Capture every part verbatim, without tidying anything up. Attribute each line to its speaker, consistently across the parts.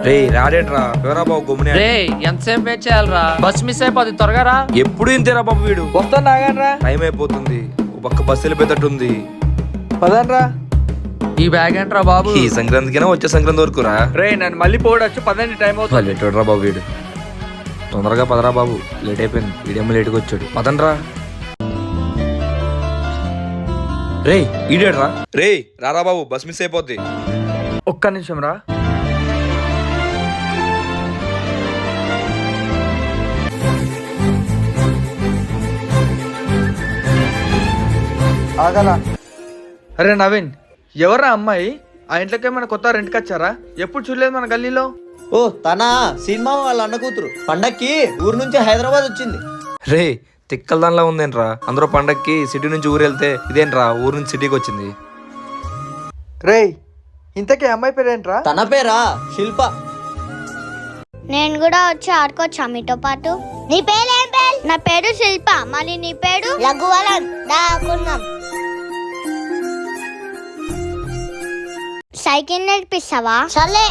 Speaker 1: రే రాడేట్రా ఎవరా బాబు గమ్మునే
Speaker 2: రే ఎంతసేపు వెయిట్ చేయాలరా? బస్ మిస్ అయిపోతుంది, త్వరగా రా.
Speaker 1: ఎప్పుడు ఇంతేరా బాబు వీడు.
Speaker 3: వస్తాను నాగనరా.
Speaker 1: టైం అయిపోతుంది, ఓ పక్క బస్సు వెళ్ళిపోయేటట్టుంది.
Speaker 3: పదనరా.
Speaker 2: ఈ బ్యాగ్ ఏంట్రా బాబు?
Speaker 1: ఈ సంక్రాంతికైనా వచ్చే సంక్రాంతి వరకు రా.
Speaker 3: రే నన్ను మళ్ళీ పోవడచ్చు, పదండి టైం అవుతుంది.
Speaker 1: లేట్ రా బాబు వీడు. తొందరగా పదరా బాబు, లేట్ అయిపోయింది. వీడేమో లేట్గా వచ్చాడు. పదండ్రా. రే ఈడేడ్రా. రే రారా బాబు, బస్ మిస్ అయిపోద్ది.
Speaker 3: ఒక్క నిమిషం రా. ఆగలా. అరే నవీన్, ఎవరా అమ్మాయి? ఆ ఇంట్లోకి ఏమైనా కొత్త రెంట్కి వచ్చారా? ఎప్పుడు చూడలేదు మన గల్లీలో.
Speaker 4: ఓ తన సినిమా వాళ్ళ అన్న కూతురు పండక్కి ఊరు నుంచి హైదరాబాద్ వచ్చింది.
Speaker 1: రే తిక్కల దానిలా ఉందేంట్రా. అందరూ పండక్కి సిటీ నుంచి ఊరు వెళ్తే ఇదేంట్రా ఊరు నుంచి సిటీకి వచ్చింది.
Speaker 3: రే ఇంతకీ అమ్మాయి పేరేంట్రా?
Speaker 4: తన పేరా శిల్ప.
Speaker 5: నేను కూడా వచ్చి ఆడుకోవచ్చా మీతో పాటు? నీ పేరు ఏం పేరు? నా పేరు శిల్ప. మరి నీ పేరు? లఘువరన్. దాకున్నాం. సైకిల్ నేర్పిస్తావా? సరే.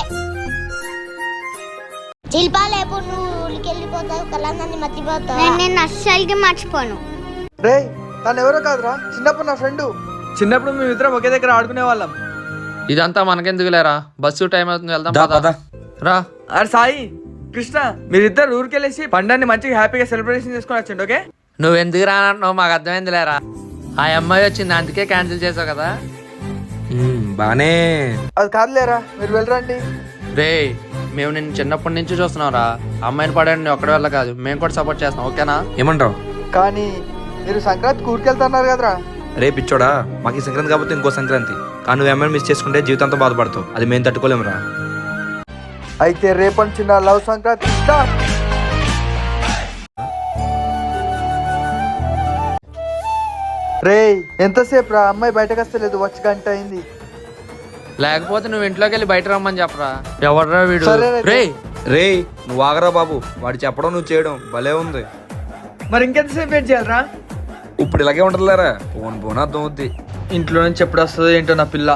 Speaker 5: శిల్ప లేపు, నువ్వు ఊరికి వెళ్ళిపోతావు, కళ్ళందరినీ మర్చిపోతావు. నేను నేను అస్సలకి మర్చిపోను.
Speaker 3: రే తను ఎవరో కాదురా, చిన్నప్పుడు నా ఫ్రెండ్. చిన్నప్పుడు మేము ఇద్దరం ఒకే దగ్గర ఆడుకునే వాళ్ళం.
Speaker 2: ఇదంతా మనకెందుకు లేరా? బస్సు టైం అవుతుంది, వెళ్దాం
Speaker 1: దా,
Speaker 2: పద.
Speaker 1: పద.
Speaker 2: రా.
Speaker 3: అరే సాయి, కృష్ణ, మీరిద్దరు ఊరికి వెళ్ళేసి పండాన్ని మంచిగా హ్యాపీగా సెలబ్రేషన్ చేసుకొని వచ్చండి. ఓకే?
Speaker 2: నువ్వు ఎందుకు రానంటున్నావు? మాకు అర్థమైంది లేరా. ఆ అమ్మాయి వచ్చింది, అందుకే క్యాన్సిల్ చేసావు కదా.
Speaker 1: ఉమ్, బానే.
Speaker 3: అది కాదులేరా, మీరు వెళ్ళరండి.
Speaker 2: రే మేము నిన్ను చిన్నప్పటి నుంచి చూస్తున్నాం రా. అమ్మాయిని పడండి ఒక్కడి వల్ల కాదు, మేము కూడా సపోర్ట్ చేస్తాం, ఓకేనా?
Speaker 1: ఏమంటావు?
Speaker 3: కానీ మీరు సంక్రాంతికి ఊరికి వెళ్తున్నారు కదరా.
Speaker 1: రే పిచ్చోడా, మాకు ఈ సంక్రాంతి కాకపోతే ఇంకో సంక్రాంతి. కానీ నువ్వు ఏమైనా మిస్ చేసుకుంటే జీవితంతో బాధపడతావు. అది మేము తట్టుకోలేమురా.
Speaker 3: అయితే రేపటి చిన్న లవ్ సంక్రాంతి స్టార్ట్. రే ఎంతసేపు రా, అమ్మాయి బయటకు వస్తలేదు, వచ్చి గంట అయింది.
Speaker 2: లేకపోతే నువ్వు ఇంట్లోకి వెళ్ళి బయట రమ్మని చెప్పరా. ఎవడరా వీడు?
Speaker 3: సరేనైతే.
Speaker 2: రే
Speaker 1: రే నువ్వు ఆగరా బాబు, వాడు చెప్పడం నువ్వు చేయడం భలే ఉంది.
Speaker 3: మరి ఇంకెంతసేపు వెయిట్ చేయాలరా?
Speaker 1: ఇప్పుడు ఇలాగే ఉంటుందిలేరా. పోన్ పోన్ అర్థం అవుద్ది.
Speaker 3: ఇంట్లో నుంచి ఎప్పుడు వస్తుందో ఏంటో నా పిల్ల.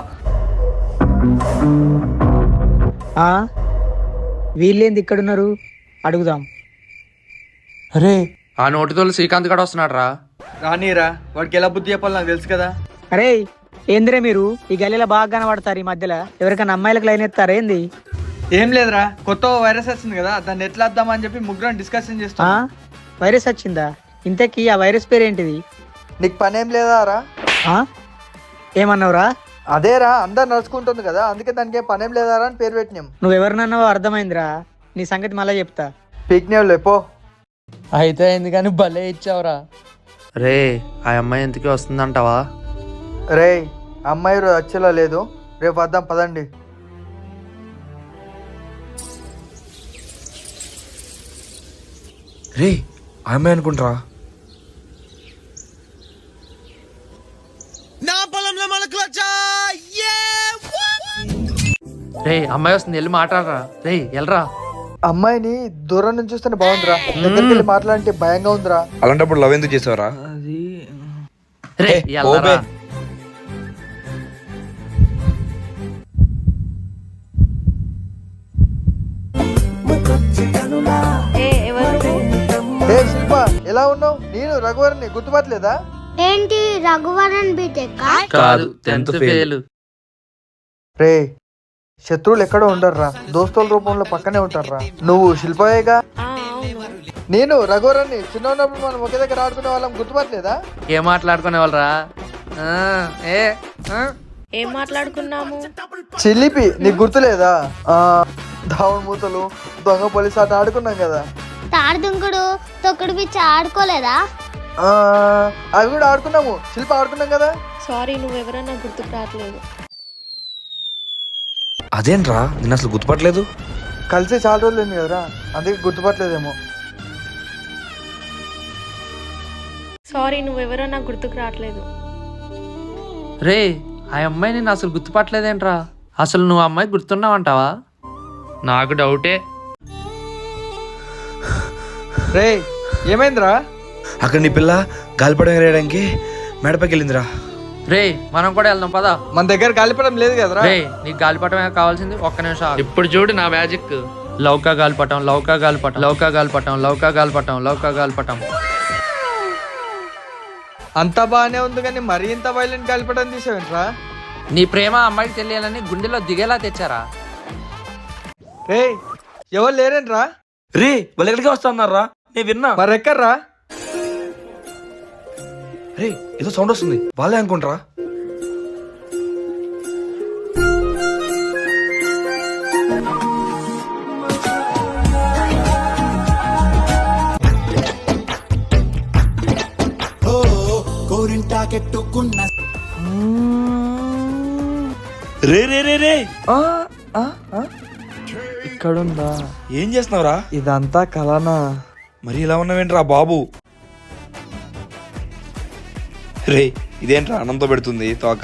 Speaker 6: వీళ్ళేంది ఇక్కడున్నారు? అడుగుదాం.
Speaker 3: అరే
Speaker 2: ఆ నోటితోలు శ్రీకాంత్ గడ వస్తున్నాడు రా.
Speaker 3: రానీరా, వాడికి ఎలా బుద్ధి చెప్పాలి నాకు తెలుసు కదా.
Speaker 6: అరే ఏందిరే మీరు ఈ గల్లీలో బాగా కనబడతారు. ఈ మధ్యలో ఎవరికైనా అమ్మాయిలకు లైన్ ఎత్తారా ఏంది?
Speaker 3: ఏం లేదురా, కొత్త వైరస్ వచ్చింది కదా, దాన్ని ఎట్లా వద్దామని చెప్పి ముగ్గురం డిస్కషన్
Speaker 6: ఆ
Speaker 3: చేస్తాం.
Speaker 6: వైరస్ వచ్చిందా? ఇంతకీ ఆ వైరస్ పేరు ఏంటిది?
Speaker 3: నీకు పని ఏం లేదా రా?
Speaker 6: ఆ ఏమన్నావురా?
Speaker 3: అదేరా, అందరు నడుచుకుంటుంది కదా, అందుకే దానికి ఏం పనేం లేదా అని పేరు పెట్టినాం.
Speaker 6: నువ్వెవరినన్నావో అర్థమైందిరా. నీ సంగతి మళ్ళీ చెప్తా.
Speaker 3: పీక్నేవ్ లేపో.
Speaker 2: అయితే అయింది కానీ భలే ఇచ్చావురా. రే ఆ అమ్మాయి ఎందుకు వస్తుందంటావా?
Speaker 3: రే అమ్మాయి రోజు వచ్చేలా లేదు, రేపు వద్దాం పదండి.
Speaker 1: రే ఆ అమ్మాయి అనుకుంటారా.
Speaker 2: రే అమ్మాయి వస్తుంది, వెళ్ళి మాట్లాడరా. రే వెళ్ళరా.
Speaker 3: అమ్మాయిని దూరం నుంచి చూస్తేనే బాగుందిరా, దగ్గరికి వెళ్ళి మాట్లాడంటే భయంగా ఉందిరా.
Speaker 1: అలాంటప్పుడు లవ్ ఎందుకు చేసావరా?
Speaker 3: అది
Speaker 2: రే
Speaker 1: ఏ,
Speaker 2: వెళ్ళరా.
Speaker 1: ఓబే.
Speaker 3: ఏ శిల్ప, ఎలా ఉన్నావు? నేను రఘువరని గుర్తుపట్టలేదా?
Speaker 5: ఏంటి రఘువరన్ బీటెక్?
Speaker 2: కాదు, టెన్త్ ఫెయిల్.
Speaker 3: రే శత్రువులు ఎక్కడో ఉండర్రా, దోస్తుల రూపంలో పక్కనే ఉంటారా. నువ్వు శిల్పయేగా? నేను రఘువరన్ని. చిన్న ఉన్నప్పుడు మనం ఒకే దగ్గర ఆడుకునే వాళ్ళం, గుర్తుపట్టలేదా?
Speaker 2: ఏం మాట్లాడుకునే వాళ్ళరా? ఏ ఆ?
Speaker 7: ఏం మాట్లాడుకున్నాము?
Speaker 3: చిలిపి, నీకు గుర్తులేదా? ఆ దావుడు మూతలు, దొంగ పోలీస్ ఆట ఆడుకున్నాం కదా.
Speaker 5: తాడుదుంకుడు, తొక్కుడు పిచ్చి ఆడుకోలేదా?
Speaker 3: ఆ అవి కూడా ఆడుకున్నాము. శిల్ప ఆడుకున్నాం కదా.
Speaker 7: సారీ, నువ్వెవరన్నా గుర్తుకు రావట్లేదు.
Speaker 1: అదేంట్రా నేను అసలు గుర్తుపట్టలేదు.
Speaker 3: కలిసి చాలా రోజులు అయింది కదరా, అందుకే గుర్తుపట్టలేదేమో.
Speaker 7: సారీ, నువ్వెవరన్నా గుర్తుకు రావట్లేదు.
Speaker 2: రే ఆ అమ్మాయి నేను అసలు గుర్తుపట్టలేదేంట్రా? అసలు నువ్వు అమ్మాయి గుర్తున్నావంటావా? నాకు డౌటే.
Speaker 3: రే ఏమైందిరా?
Speaker 1: అక్కడ నీ పిల్ల గాలిపడం వేయడానికి మేడపైకి వెళ్ళిందిరా.
Speaker 2: రే మనం కూడా వెళ్దాం పదా.
Speaker 3: మన దగ్గర గాలిపటం లేదు కదరా.
Speaker 2: రే నీకు గాలిపటమే కావాల్సింది, ఒక్క నిమిషం ఆగు. ఇప్పుడు చూడు నా మ్యాజిక్. లౌకా గాలిపటం, లౌకా గాలిపటం, లౌకా గాలిపటం, లౌకా గాలిపటం, లౌకా గాలిపటం.
Speaker 3: అంతా బాగానే ఉంది కానీ మరీ ఇంత వైలెంట్ గాలిపటం తీసావేంట్రా?
Speaker 2: నీ ప్రేమ ఆ అమ్మాయికి తెలియాలని గుండెలో దిగేలా తెచ్చారా?
Speaker 3: రే ఎవరు లేరేంట్రా?
Speaker 1: రే వాళ్ళు ఎక్కడికి వస్తున్నారా? నేను విన్నా.
Speaker 3: మరి ఎక్కర్రా?
Speaker 1: రే ఏదో సౌండ్ వస్తుంది, వాళ్ళే అనుకుంటారా? రే రే రే రే
Speaker 3: ఆ, ఆ, ఆ. ఇక్కడుందా?
Speaker 1: ఏం చేస్తున్నావురా?
Speaker 3: ఇదంతా కలనా?
Speaker 1: మరి ఇలా ఉన్నావేంట్రా బాబు? రే ఇదేంట్రా అన్నంతో పెడుతుంది తోక?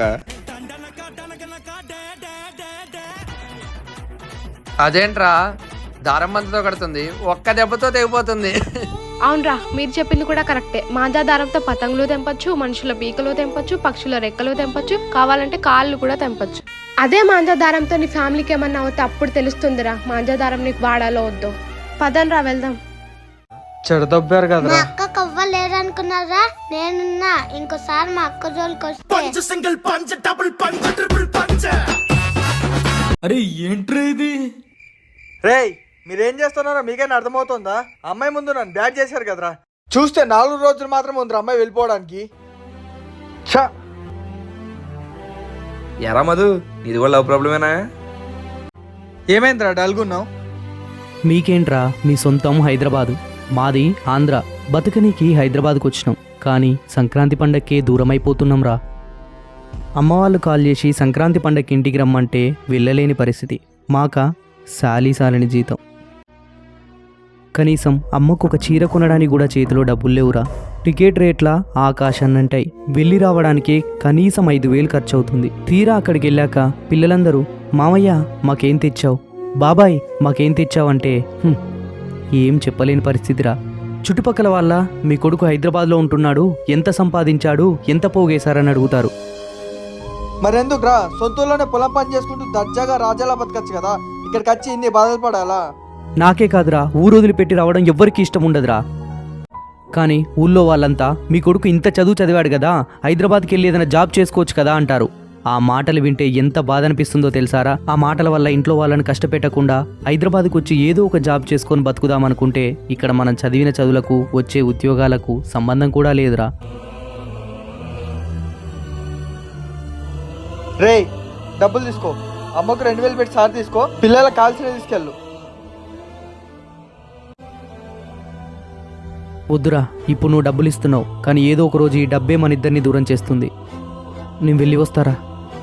Speaker 2: అదేంట్రా దారం మంతతో కడుతుంది, ఒక్క దెబ్బతో తెగిపోతుంది.
Speaker 7: అవునరా, మీరు చెప్పింది కూడా కరెక్టే. మాంజా దారంతో పతంగులు తెంపొచ్చు, మనుషుల పీకలు తెంపొచ్చు, పక్షుల రెక్కలు తెంపొచ్చు, కావాలంటే కాళ్ళు కూడా తెంపొచ్చు. అదే మాంజా దారంతో నీ ఫ్యామిలీకి ఏమన్నా అవుతే అప్పుడు తెలుస్తుందిరా మాంజా దారం నీకు వాడాలో వద్దు. పదంరా వెళ్దాం.
Speaker 3: చెడదొబ్బారు
Speaker 5: మా
Speaker 3: కదరా.
Speaker 5: అక్క కవ్వలేరనుకున్నారా? నేనున్నా. ఇంకోసారి మా అక్క జోలికి వస్తే
Speaker 3: అరే ఏంట్రా ఇది? రే మీరేం చేస్తున్నారో మీకైనా అర్థమవుతుందా? అమ్మాయి ముందు నన్ను బ్యాట్ చేశారు కదరా. చూస్తే నాలుగు రోజులు మాత్రం ఉంది అమ్మాయి వెళ్ళిపోవడానికి. ఛా!
Speaker 1: ఎరా మధు, ఇది కూడా లవ్ ప్రాబ్లమేనా?
Speaker 3: ఏమైందిరా డల్గున్నావు?
Speaker 8: మీకేంట్రా, మీ సొంతం హైదరాబాదు, మాది ఆంధ్ర. బతుకనీకి హైదరాబాద్కు వచ్చినాం, కానీ సంక్రాంతి పండక్కే దూరమైపోతున్నాం రా. అమ్మ వాళ్ళు కాల్ చేసి సంక్రాంతి పండక్కి ఇంటికి రమ్మంటే వెళ్ళలేని పరిస్థితి. మాక సాలీ సాలని జీతం. కనీసం అమ్మకు ఒక చీర కొనడానికి కూడా చేతిలో డబ్బులు లేవురా. టికెట్ రేట్ల ఆకాశాన్నంటాయి. వెళ్ళి రావడానికే కనీసం ఐదు వేలు ఖర్చు అవుతుంది. తీరా అక్కడికి వెళ్ళాక పిల్లలందరూ మామయ్య మాకేం తెచ్చావు, బాబాయ్ మాకేం తెచ్చావంటే "హ్మ్, ఏం చెప్పలేని పరిస్థితిరా. చుట్టుపక్కల వాళ్ళ మీ కొడుకు హైదరాబాద్లో ఉంటున్నాడు, ఎంత సంపాదించాడు, ఎంత పోగేశారని అడుగుతారు.
Speaker 3: మరెందుకురా? సొంతూరులోనే పొలం పని చేసుకుంటూ దర్జాగా రాజాలా బతకచ్చు కదా. ఇక్కడికి వచ్చి ఇన్ని బాధలు పడాలా?
Speaker 8: నాకే కాదురా, ఊరు వదిలిపెట్టి రావడం ఎవ్వరికీ ఇష్టం ఉండదురా. కానీ ఊళ్ళో వాళ్ళంతా మీ కొడుకు ఇంత చదువు చదివాడు కదా, హైదరాబాద్కి వెళ్ళి ఏదైనా జాబ్ చేసుకోవచ్చు కదా అంటారు. ఆ మాటలు వింటే ఎంత బాధ అనిపిస్తుందో తెలుసారా? ఆ మాటల వల్ల ఇంట్లో వాళ్ళని కష్టపెట్టకుండా హైదరాబాద్కి వచ్చి ఏదో ఒక జాబ్ చేసుకొని బతుకుదామనుకుంటే ఇక్కడ మనం చదివిన చదువులకు వచ్చే ఉద్యోగాలకు సంబంధం కూడా లేదురా.
Speaker 3: రే డబ్బులు తీసుకో. అమ్మకు రెండు వేలు పెట్టి సార్ తీసుకో. పిల్లలకు కాల్సిన తీసుకెళ్ళు.
Speaker 8: వద్దురా, ఇప్పుడు నువ్వు డబ్బులు ఇస్తున్నావు, కానీ ఏదో ఒక రోజు ఈ డబ్బే మన ఇద్దరిని దూరం చేస్తుంది. నేను వెళ్ళి వస్తారా?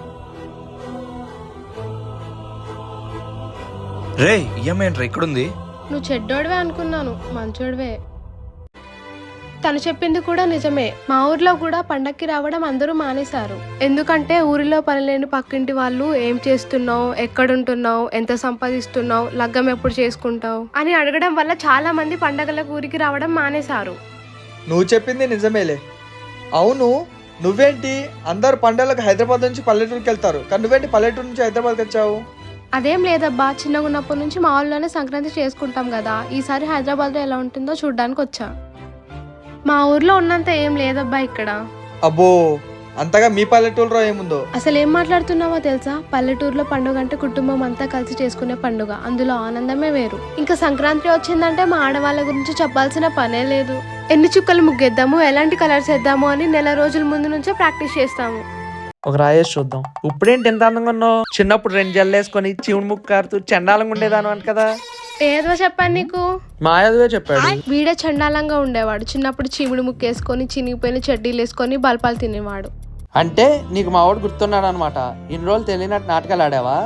Speaker 1: రే ఈఎంఐ ఏంట్రా ఇక్కడుంది?
Speaker 7: నువ్వు చెడ్డోడివే అనుకున్నాను, మంచోడివే. తను చెప్పింది కూడా నిజమే. మా ఊర్లో కూడా పండక్కి రావడం అందరూ మానేశారు. ఎందుకంటే ఊరిలో పనిలేని పక్కింటి వాళ్ళు ఏం చేస్తున్నావు, ఎక్కడుంటున్నావు, ఎంత సంపాదిస్తున్నావు, లగ్గం ఎప్పుడు చేసుకుంటావు అని అడగడం వల్ల చాలా మంది పండగలకు ఊరికి రావడం మానేశారు.
Speaker 3: నువ్వు చెప్పింది నిజమేలే. అవును, నువ్వేంటి అందరు పండుగలకు హైదరాబాద్ నుంచి పల్లెటూరుకి వెళ్తారు, కానీ నువ్వేంటి పల్లెటూరు నుంచి హైదరాబాద్కి వచ్చావు?
Speaker 7: అదేం లేదబ్బా, చిన్నగా ఉన్నప్పటి నుంచి మా ఊళ్ళోనే సంక్రాంతి చేసుకుంటాం కదా, ఈసారి హైదరాబాద్లో ఎలా ఉంటుందో చూడడానికి వచ్చా. మా ఊర్లో ఉన్నంత ఏం లేదబ్బా ఇక్కడ.
Speaker 3: అబ్బో, అంతగా మీ పల్లెటూరులో ఏముందో?
Speaker 7: అసలు ఏం మాట్లాడుతున్నావో తెలుసా? పల్లెటూరులో పండుగ అంటే కుటుంబం అంతా కలిసి చేసుకునే పండుగ, అందులో ఆనందమే వేరు. ఇంకా సంక్రాంతి వచ్చిందంటే మా ఆడవాళ్ళ గురించి చెప్పాల్సిన పనే లేదు. ఎన్ని చుక్కలు ముగ్గేద్దాము, ఎలాంటి కలర్స్ వేద్దాము అని నెల రోజుల ముందు నుంచే ప్రాక్టీస్ చేస్తాము.
Speaker 2: ఒక రాయేసి చూద్దాం. ఇప్పుడేంటి ఎంత అందంగా ఉన్నావు? చిన్నప్పుడు రెండు జల్లేసుకొని చీవుడు ముక్కు కారుతూ చండాలంగా ఉండేదాను అంట కదా.
Speaker 7: ఏదో చెప్పాను నీకు?
Speaker 2: మా యాదవే చెప్పాడు.
Speaker 7: వీడే చండాలంగా ఉండేవాడు. చిన్నప్పుడు చీముడు ముక్కేసుకొని చినిగిపోయిన చెడ్డీలు వేసుకొని బల్పాలు తినేవాడు.
Speaker 2: అంటే నీకు మా వాడు గుర్తున్నాడు అనమాట. ఇన్ని రోజులు తెలియనట్టు నాటకాలు ఆడావా?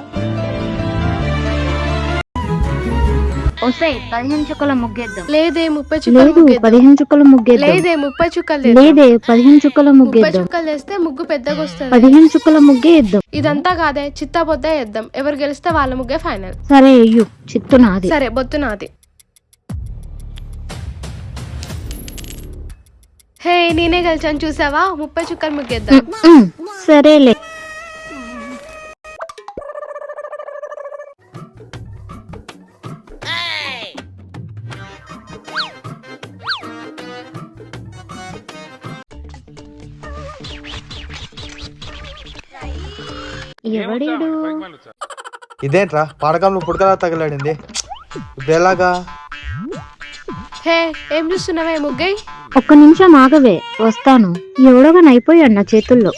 Speaker 5: పదిహేను చుక్కల ముగ్గేద్దాం.
Speaker 7: లేదే ముప్పై చుక్కలు
Speaker 9: లేదు
Speaker 7: ముగ్గేద్దాం.
Speaker 9: పదిహేను చుక్కల ముగ్గేద్దాం.
Speaker 7: లేదే ముప్పై చుక్కలు
Speaker 9: లేదే పదిహేను చుక్కల
Speaker 7: ముప్పై
Speaker 9: ముగ్గేద్దాం.
Speaker 7: చుక్కలు వేస్తే ముగ్గు పెద్దగా వస్తుంది.
Speaker 9: పదిహేను చుక్కల ముగ్గే వేద్దాం.
Speaker 7: ఇదంతా కాదే, చిత్తా బొద్ద వేద్దాం. ఎవరు గెలిస్తే వాళ్ళ ముగ్గే ఫైనల్.
Speaker 9: సరే అయ్యో, చిత్తు నాది.
Speaker 7: సరే బొత్తు నాది. హే నేనే గెలిచాను చూసావా, ముప్పై చుక్కలు ముగ్గేద్దాం.
Speaker 9: ఉమ్, సరేలే. ఎవడీడు?
Speaker 3: ఇదేంట్రా పాడకంలో పుడకలా తగలాడింది, ఇప్పుడు ఎలాగా?
Speaker 7: హే ఏం చూస్తున్నావే ముగ్గై?
Speaker 9: ఒక్క నిమిషం ఆగవే, వస్తాను. ఎవడోగాని అయిపోయాడు నా చేతుల్లో.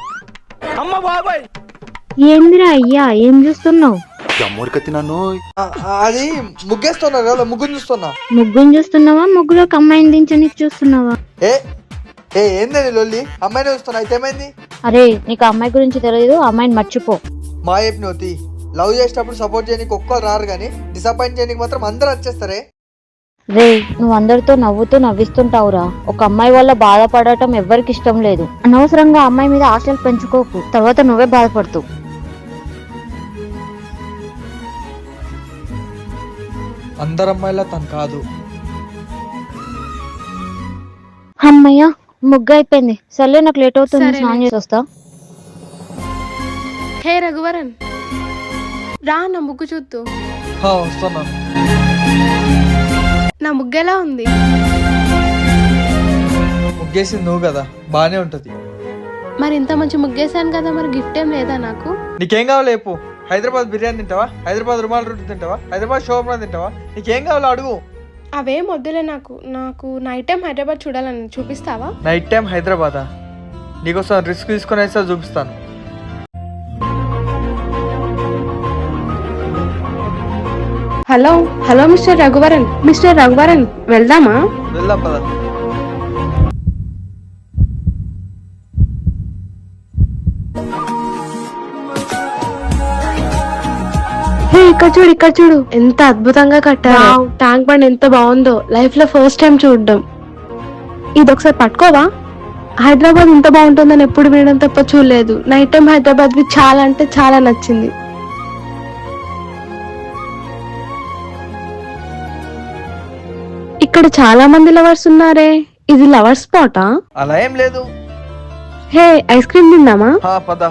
Speaker 9: ఏందిరా అయ్యా, ఏం చూస్తున్నావు?
Speaker 3: ఆ, ఆ, అది ముగ్గేస్తున్నారు కదా, ముగ్గుని చూస్తున్నా.
Speaker 9: ముగ్గుని చూస్తున్నావా, ముగ్గులోకి అమ్మాయిని దించని చూస్తున్నావా?
Speaker 3: ఏ ఏ ఏందని లొల్లి? అమ్మాయిని చూస్తున్నా, అయితే ఏమైంది?
Speaker 9: అరే నీకు ఆ అమ్మాయి గురించి తెలియదు, అమ్మాయిని మర్చిపో.
Speaker 3: మా చెప్పినవుతి లవ్ చేసేటప్పుడు సపోర్ట్ చేయడానికి ఒక్కరు రారు కానీ డిసప్పాయింట్ చేయడానికి మాత్రం అందరూ వచ్చేస్తారే.
Speaker 9: రే నువ్వు అందరితో నవ్వుతూ నవ్విస్తుంటావురా. ఒక అమ్మాయి వల్ల బాధపడటం ఎవ్వరికి ఇష్టం లేదు. అనవసరంగా అమ్మాయి మీద ఆశలు పెంచుకోకు, తర్వాత నువ్వే బాధపడుతూ.
Speaker 3: అందరు అమ్మాయిలా తను కాదు.
Speaker 9: అమ్మయ్య ముగ్గు అయిపోయింది. సర్లే నాకు లేట్ అవుతుంది,
Speaker 7: సరేనే.
Speaker 9: స్నానం చేసి వస్తా.
Speaker 7: హే రఘువరన్ రా నా ముగ్గు చూద్దు.
Speaker 3: హా, వస్తున్నా.
Speaker 7: నా ముగ్గు ఎలా ఉంది?
Speaker 3: ముగ్గేసింది నువ్వు కదా, బానే ఉంటది.
Speaker 7: మరి ఇంత మంచి ముగ్గేసాను కదా, మరి గిఫ్ట్ ఏం లేదా నాకు?
Speaker 3: నీకేం కావాలి చెప్పు. హైదరాబాద్ బిర్యానీ తింటావా, హైదరాబాద్ రుమాల్ రొట్టె తింటావా, హైదరాబాద్ షోర్మా తింటావా, నీకేం కావాలో అడుగు.
Speaker 7: అవేం వద్దులే నాకు. నాకు నైట్ టైం హైదరాబాద్ చూడాలని, చూపిస్తావా?
Speaker 3: నైట్ టైం హైదరాబాదా? నీకోసం రిస్క్ తీసుకొని అయితే చూపిస్తాను.
Speaker 7: Hello hello mister Raghuvaran, mister Raghuvaran వెళ్దామా?
Speaker 3: వెళ్దాం పద.
Speaker 7: హే ఇక్కడ చూడు, ఇక్కడ చూడు, ఎంత అద్భుతంగా కట్టారు. ట్యాంక్ బండ్ ఎంత బాగుందో, లైఫ్ లో ఫస్ట్ టైం చూడడం. ఇది ఒకసారి పట్టుకోవా? హైదరాబాద్ ఇంత బాగుంటుందని ఎప్పుడు వినడం తప్ప చూడలేదు. నైట్ టైం హైదరాబాద్ వి చాలా అంటే చాలా నచ్చింది. ఇక్కడ చాలా మంది లవర్స్ ఉన్నారే, ఇది లవర్ స్పాటా?
Speaker 3: అలా ఏం లేదు.
Speaker 7: హే ఐస్ క్రీమ్ తిందామా?
Speaker 3: హా పద.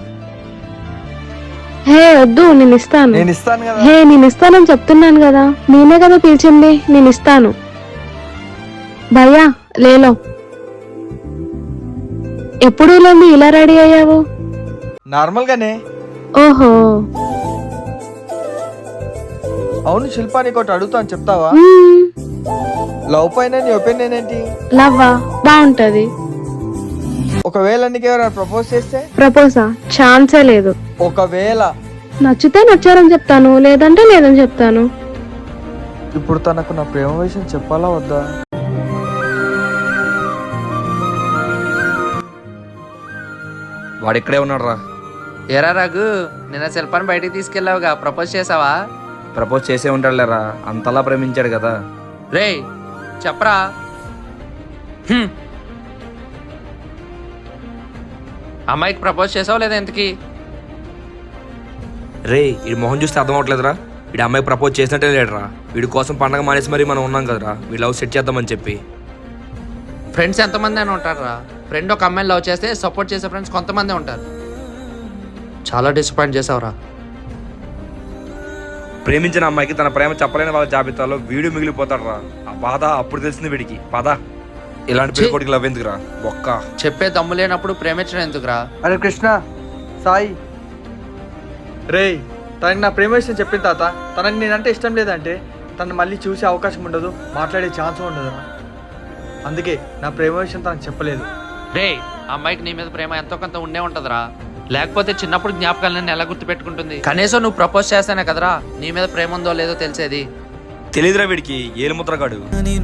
Speaker 7: హే వద్దు, నేను ఇస్తాను.
Speaker 3: నేను ఇస్తాను కదా.
Speaker 7: హే నేను ఇస్తానని చెప్తున్నాను కదా, నేనే కదా పిలిచింది, నేను ఇస్తాను. భయ్యా లేలో, ఎప్పుడు లేని ఇలా రెడీ అయ్యావు?
Speaker 3: నార్మల్ గానే.
Speaker 7: ఓహో.
Speaker 3: అవును శిల్పా, నీకు ఒకటి అడుగుతాను, చెప్తావా?
Speaker 7: మ్మ్.
Speaker 3: లవ్ పైన నీ ఒపీనియన్ ఏంటి?
Speaker 7: లవ్వా బాగుంటది.
Speaker 3: ఒకవేళ నీకు ఎవరైనా ప్రపోజ్ చేస్తే?
Speaker 7: ప్రపోజా? ఛాన్సే లేదు.
Speaker 3: ఒకవేళ
Speaker 7: నచ్చితే నచ్చారని చెప్తాను, లేదంటే లేదని చెప్తాను.
Speaker 3: ఇప్పుడు తనకు నా ప్రేమ విషయం చెప్పాలా వద్దా?
Speaker 1: వాడు ఇక్కడే ఉన్నాడు రా.
Speaker 2: ఏరా రఘు, నిన్న శిల్పాన్ని బయటికి తీసుకెళ్ళావుగా, ప్రపోజ్ చేసావా?
Speaker 1: ప్రపోజ్ చేసే ఉంటాడులేరా, అంతలా ప్రేమించాడు కదా.
Speaker 2: రే చెప్పరా. హ్మ్. అమ్మాయికి ప్రపోజ్ చేసావు లేదా ఇంతకి?
Speaker 1: రే వీడి మొహం చూస్తే అర్థం అవట్లేదురా, వీడి అమ్మాయికి ప్రపోజ్ చేసినట్టే లేడురా. వీడి కోసం పండగ మానేసి మరీ మనం ఉన్నాం కదరా, వీడి లవ్ సెట్ చేద్దామని చెప్పి.
Speaker 2: ఫ్రెండ్స్ ఎంతమంది అని ఉంటారా? ఫ్రెండ్ ఒక అమ్మాయిని లవ్ చేస్తే సపోర్ట్ చేసే ఫ్రెండ్స్ కొంతమంది ఉంటారు. చాలా డిసప్పాయింట్ చేసావురా.
Speaker 1: ప్రేమించిన అమ్మాయికి తన ప్రేమ చెప్పలేని వాళ్ళ జాబితాలో వీడు మిగిలిపోతాడు రా. ఆ బాధ అప్పుడు తెలిసింది వీడికి. పద, ఇలాంటి పెళ్ళికొడికి లవ్ ఎందుకురా బొక్క.
Speaker 2: చెప్పే దమ్ము లేనప్పుడు ప్రేమించడం ఎందుకురా?
Speaker 3: అరే కృష్ణ, సాయి, రే తనకి నా ప్రేమ విషయం చెప్పిన తాత, తనకి నేనంటే ఇష్టం లేదంటే తను మళ్ళీ చూసే అవకాశం ఉండదు, మాట్లాడే ఛాన్స్ ఉండదు. అందుకే నా ప్రేమ విషయం తనకు చెప్పలేదు.
Speaker 2: రే అమ్మాయికి నీ మీద ప్రేమ ఎంతో కొంత ఉండే ఉంటదిరా, లేకపోతే చిన్నప్పుడు జ్ఞాపకాలను ఎలా గుర్తు పెట్టుకుంటుంది? కనీసం నువ్వు ప్రపోజ్ చేస్తానే కదరా నీ మీద ప్రేమ ఉందో లేదో తెలిసేది.
Speaker 1: తెలీదురా వీడికి, ఏలు ముద్రగాడు.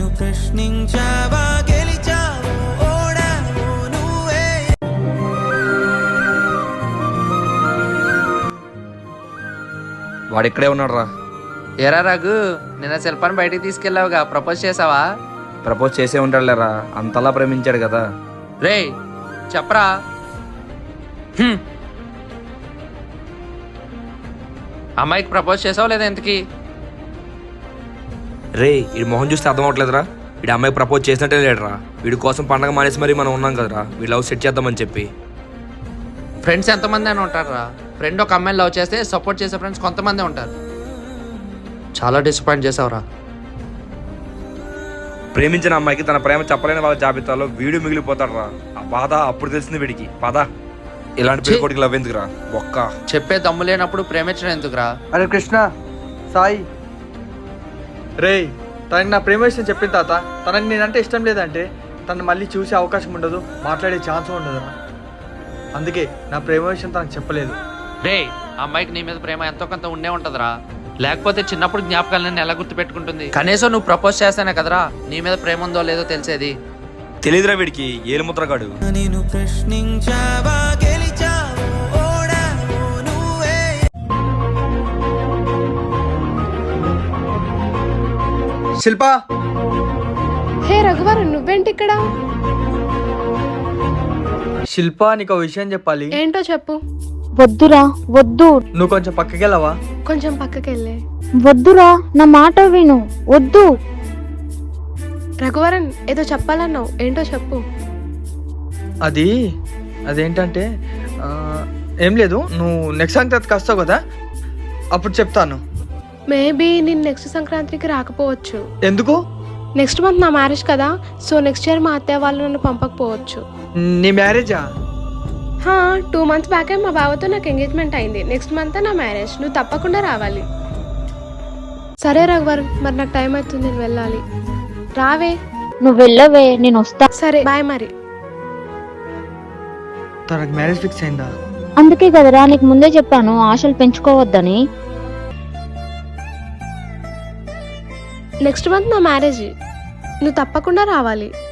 Speaker 1: వాడు ఇక్కడే ఉన్నాడు రా.
Speaker 2: ఏరా రఘు, నిన్న శిల్పాన్ని బయటికి తీసుకెళ్ళావుగా, ప్రపోజ్ చేసావా?
Speaker 1: ప్రపోజ్ చేసే ఉంటాడులేరా, అంతలా ప్రేమించాడు కదా.
Speaker 2: రే చెప్పరా. హ్మ్. అమ్మాయికి ప్రపోజ్ చేసావు లేదా ఇంతకి?
Speaker 1: రే వీడి మొహం చూస్తే అర్థం అవట్లేదురా, వీడి అమ్మాయికి ప్రపోజ్ చేసినట్టే లేడరా. వీడి కోసం పండగ మానేసి మరి మనం ఉన్నాం కదరా, వీడి లవ్ సెట్ చేద్దామని చెప్పి.
Speaker 2: ఫ్రెండ్స్ ఎంతమంది అని ఉంటారా? ఫ్రెండ్ ఒక అమ్మాయిని లవ్ చేస్తే సపోర్ట్ చేసే ఫ్రెండ్స్ కొంతమంది ఉంటారు. చాలా డిసప్పాయింట్ చేసావురా.
Speaker 1: ప్రేమించిన అమ్మాయికి తన ప్రేమ చెప్పలేని వాళ్ళ జాబితాలో వీడు మిగిలిపోతాడురా. ఆ బాధ అప్పుడు తెలిసింది వీడికి. పద, ఇలాంటి పెళ్ళికొడుకు లవ్ ఎందుకురా ఒక్క.
Speaker 2: చెప్పే దమ్ము లేనప్పుడు ప్రేమించడం ఎందుకురా?
Speaker 3: అరే కృష్ణ, సాయి, రే తనకి నా ప్రేమ విషయం చెప్పిన తాత తనకి నేనంటే ఇష్టం లేదంటే తను మళ్ళీ చూసే అవకాశం ఉండదు, మాట్లాడే ఛాన్స్ ఉండదు. అందుకే నా ప్రేమ విషయం తనకు చెప్పలేదు.
Speaker 2: రే, ఆ అమ్మాయికి నీ మీద ప్రేమ ఎంతో కొంత ఉండే ఉంటదిరా. లేకపోతే చిన్నప్పుడు జ్ఞాపకాలను ఎలా గుర్తు పెట్టుకుంటుంది? కనీసం నువ్వు ప్రపోజ్ చేస్తానే కదరా నీ మీద ప్రేమ ఉందో లేదో తెలిసేది.
Speaker 1: తెలీదురా వీడికి, ఏలు ముద్రగాడు.
Speaker 3: శిల్ప,
Speaker 7: హే రఘువరన్, నువ్వేంటి ఇక్కడ?
Speaker 3: శిల్ప నీకు ఒక విషయం చెప్పాలి.
Speaker 7: ఏంటో చెప్పు.
Speaker 9: వద్దురా, వద్దు,
Speaker 3: నువ్వు కొంచెం పక్కకి వెళ్ళవా?
Speaker 7: కొంచెం పక్కకెళ్ళే.
Speaker 9: వద్దురా, నా మాట విను, వద్దు.
Speaker 7: రఘువరన్, ఏదో చెప్పాలన్నావు, ఏంటో చెప్పు.
Speaker 3: అది అదేంటంటే ఆ, ఏం లేదు, నువ్వు నెక్స్ట్ సంక్రాంతికి వస్తావు కదా, అప్పుడు చెప్తాను.
Speaker 7: మేబీ నేను నెక్స్ట్ సంక్రాంతికి రాకపోవచ్చు.
Speaker 3: ఎందుకు?
Speaker 7: నెక్స్ట్ మంత్ నా మ్యారేజ్ కదా, సో నెక్స్ట్ ఇయర్ మా అత్తయ్య వాళ్ళు నన్ను పంపకపోవచ్చు.
Speaker 3: నీ మ్యారేజా?
Speaker 7: హా, టూ మంత్స్ బ్యాకే మా బావతో నాకు ఎంగేజ్మెంట్ అయింది. నెక్స్ట్ మంత్ నా మ్యారేజ్. నువ్వు తప్పకుండా రావాలి. సరే రఘువరన్, మరి నాకు టైం అవుతుంది, నేను వెళ్ళాలి. రావే.
Speaker 9: నువ్వు వెళ్ళవే, నేను వస్తా.
Speaker 7: సరే, బాయ్. మరి
Speaker 3: తనకు మ్యారేజ్ ఫిక్స్ అయిందా?
Speaker 9: అందుకే కదరా నీకు ముందే చెప్పాను ఆశలు పెంచుకోవద్దని.
Speaker 7: నెక్స్ట్ మంత్ నా మ్యారేజ్, నువ్వు తప్పకుండా రావాలి.